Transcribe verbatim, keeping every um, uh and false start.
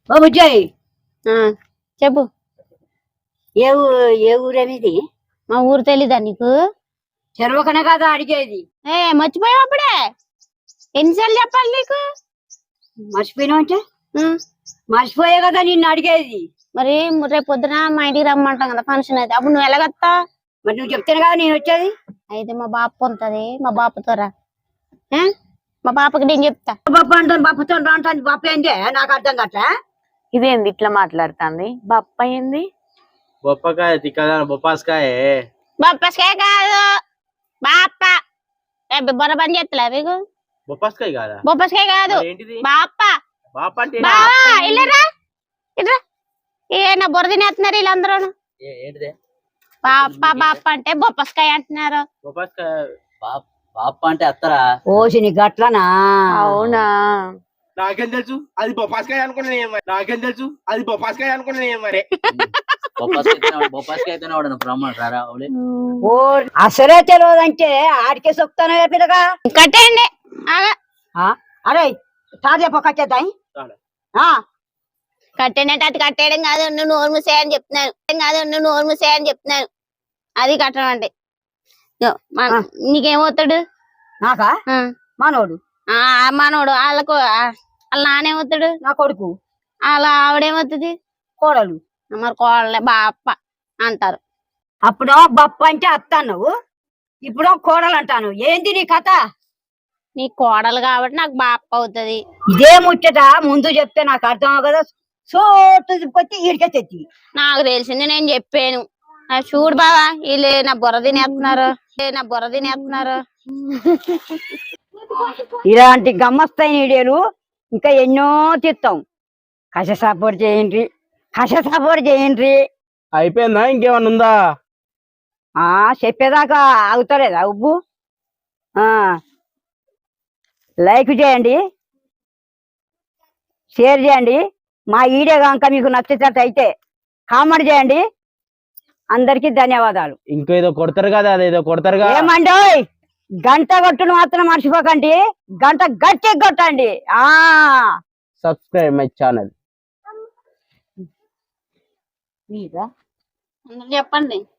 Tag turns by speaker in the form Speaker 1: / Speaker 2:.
Speaker 1: ఓ బుజ్జాయి
Speaker 2: చెప్పు.
Speaker 1: ఏ ఏ ఊరనేది?
Speaker 2: మా ఊరు తెలీదా నీకు?
Speaker 1: చెరవకనే కదా అడిగేది.
Speaker 2: ఏ మర్చిపోయావు అప్పుడే? ఎన్నిసార్లు చెప్పాలి నీకు?
Speaker 1: మర్చిపోయినావు అంటే మర్చిపోయే కదా నిన్ను అడిగేది.
Speaker 2: మరి రేపు పొద్దున మా ఇంటికి రమ్మంటాం కదా ఫంక్షన్ అయితే, అప్పుడు నువ్వు ఎలాగత్తా?
Speaker 1: మరి నువ్వు చెప్తాను కదా నేను వచ్చేది.
Speaker 2: అయితే మా బాప ఉంటది, మా బాపతో రా. మా బాపకి నేను చెప్తా.
Speaker 1: బాప అంటాను బాపతో అంటాను. బాప ఏందే నాకు అర్థం కట్లా.
Speaker 3: ఇదేంది ఇట్లా మాట్లాడుతుంది? బొప్ప ఏంది?
Speaker 4: బొప్పకాయ తిక్కదా? బొప్పాస్కాయ.
Speaker 2: బొప్పస్కాయ కాదు, బాప. బొర్ర పని చేస్తలే మీకు?
Speaker 4: బొప్పాస్కాయ కాదా?
Speaker 2: బొప్పస్కాయ కాదు, బాప.
Speaker 4: బాప అంటే
Speaker 2: బావా ఇల్లరా ఇట్రా. ఏ నా బొర్ర తినేస్తున్నారు వీళ్ళందరూ.
Speaker 4: ఏంటిదే?
Speaker 2: బాప బాప అంటే బొప్పస్కాయ అంటున్నారు.
Speaker 4: బొప్పాస్కాయ బాప అంటే అత్తరా?
Speaker 1: ఓసి నీ గట్లనా?
Speaker 3: అవునా?
Speaker 4: నాకేం తెలుసు అది బొప్పాస్కాయ అనుకున్నా. నాకేం తెలుసు అది బొప్పాస్కాయ అనుకున్నా. మరి
Speaker 1: ఓ అసలే తెలియదంటే ఆడికే సొక్తాను పిల్లగా.
Speaker 2: కట్టేయండి.
Speaker 1: అరే తాజా పక్కచ్చేద్దాయి.
Speaker 2: కట్టేనంటే అది కట్టేయడం కాదు, నువ్వు నోరు మూసేయని చెప్తున్నాను. కాదు నువ్వు నోరు మూసేయని చెప్తున్నాను. అది కట్టడం అంటే నీకేమవుతాడు?
Speaker 1: నాకా? మనోడు.
Speaker 2: ఆ మనోడు. వాళ్ళకు వాళ్ళ నానేమవుతాడు?
Speaker 1: నా కొడుకు.
Speaker 2: వాళ్ళ ఆవిడేమవుతుంది?
Speaker 1: కోడలు.
Speaker 2: మరి కోడలే బాప అంటారు.
Speaker 1: అప్పుడు బప్ప అంటే అత్త అన్నావు, ఇప్పుడు కోడలు అంటాను. ఏంది నీ కథ?
Speaker 2: నీ కోడలు కాబట్టి నాకు బాప అవుతుంది.
Speaker 1: ఇదే ముచ్చట ముందు చెప్తే నాకు అర్థం కదా. సోటుకొచ్చి ఈడికే తెచ్చి
Speaker 2: నాకు తెలిసింది నేను చెప్పాను. చూడు బావా వీళ్ళు నా బుర్ర తినేస్తున్నారు, నా బుర్ర తినేస్తున్నారు.
Speaker 1: ఇలాంటి గమ్మస్తైన వీడియోలు ఇంకా ఎన్నో తీస్తాం. కష సపోర్ట్ చేయండి, కష సపోర్ట్ చేయండి.
Speaker 4: అయిపోయిందా? ఇంకేమన్నా ఉందా?
Speaker 1: ఆ చెప్పేదాకా ఆగుతలేదా ఉబ్బు? ఆ లైక్ చేయండి, షేర్ చేయండి. మా వీడియో కనుక మీకు నచ్చేటట్టు అయితే కామెంట్ చేయండి. అందరికి ధన్యవాదాలు.
Speaker 4: ఇంకేదో కొడతారు కదా, అదేదో కొడతారు కదా.
Speaker 1: ఏమండి గంట కొట్టును మాత్రం మర్చిపోకండి. గంట గట్టి కొట్టండి. ఆ
Speaker 4: సబ్స్క్రైబ్ మై ఛానల్.
Speaker 2: చెప్పండి.